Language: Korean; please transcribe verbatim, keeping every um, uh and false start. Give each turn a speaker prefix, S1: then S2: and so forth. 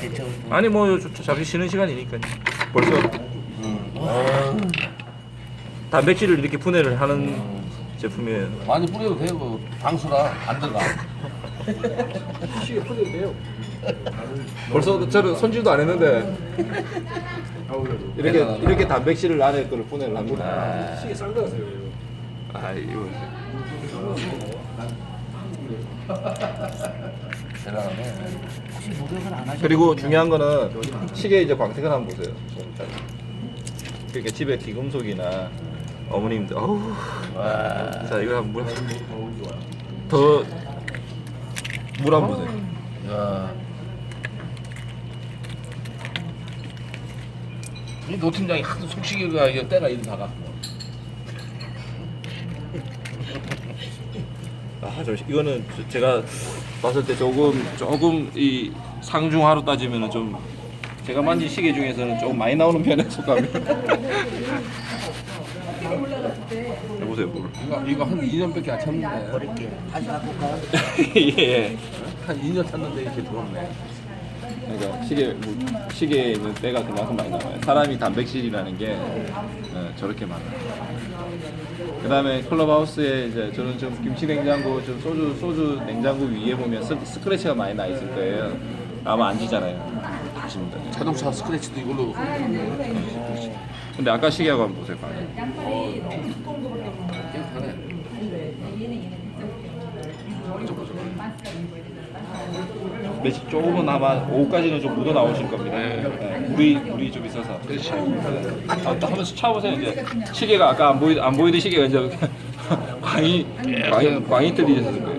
S1: 괜찮을 거.
S2: 아니 뭐 저- 저 잠시 쉬는 시간이니까요. 벌써
S1: 음. 아,
S2: 단백질을 이렇게 분해를 하는 제품이에요.
S3: 많이 뿌려도 되고 방수라 안 들어가.
S2: 벌써 저는 손질도 안 했는데 이렇게
S3: 대단하다.
S2: 이렇게 단백질을 안에 거를 분해를 합니다. 시계 싼 거세요. 아 이거
S3: 대단하네.
S1: 혹시 노력을 안 하셔?
S2: 그리고 중요한 거는 시계 이제 광택을 한번 보세요. 그러니까 집에 귀금속이나 어머님들 어우
S3: 와.
S2: 자 이거 한번 더물 한번 보세요.
S3: 야. 이 노팀장이 하도 속시기가 이거 때가 이리 다가.
S2: 아, 저 이거는 저- 제가 봤을 때 조금 조금 이 상중하로 따지면은 좀 제가 만진 시계 중에서는 조금 많이 나오는 편의 속감이. 해보세요, 물.
S3: 이거 이거 한 이 년밖에 안 찼는데.
S1: 버릴게. 다시 갖고 가.
S2: 예.
S3: 한 이 년 찼는데 이렇게 들어오네.
S2: 그러니까 시계 뭐, 시계에 있는 때가 그만큼 많이 나와요. 사람이 단백질이라는 게 어, 저렇게 많아요. 그다음에 클럽하우스에 이제 저는 좀 김치 냉장고, 좀 소주 소주 냉장고 위에 보면 스, 스크래치가 많이 나 있을 거예요. 아마 안 지잖아요. 아십니다.
S3: 자동차 스크래치도 이걸로.
S2: 근데 아까 시계하고 한번 보세요. 방금.
S3: 깨끗하네.
S2: 매직 조금은 아마 오후까지는 좀 묻어 나오실 겁니다. 네, 물이 물이 좀 있어서.
S3: 그렇지.
S2: 네. 아, 또 한번 차보세요. 이제 시계가 아까 안 보이 안 보이던 시계가 이제 광이 광이 광이 뜨리셨을 거예요.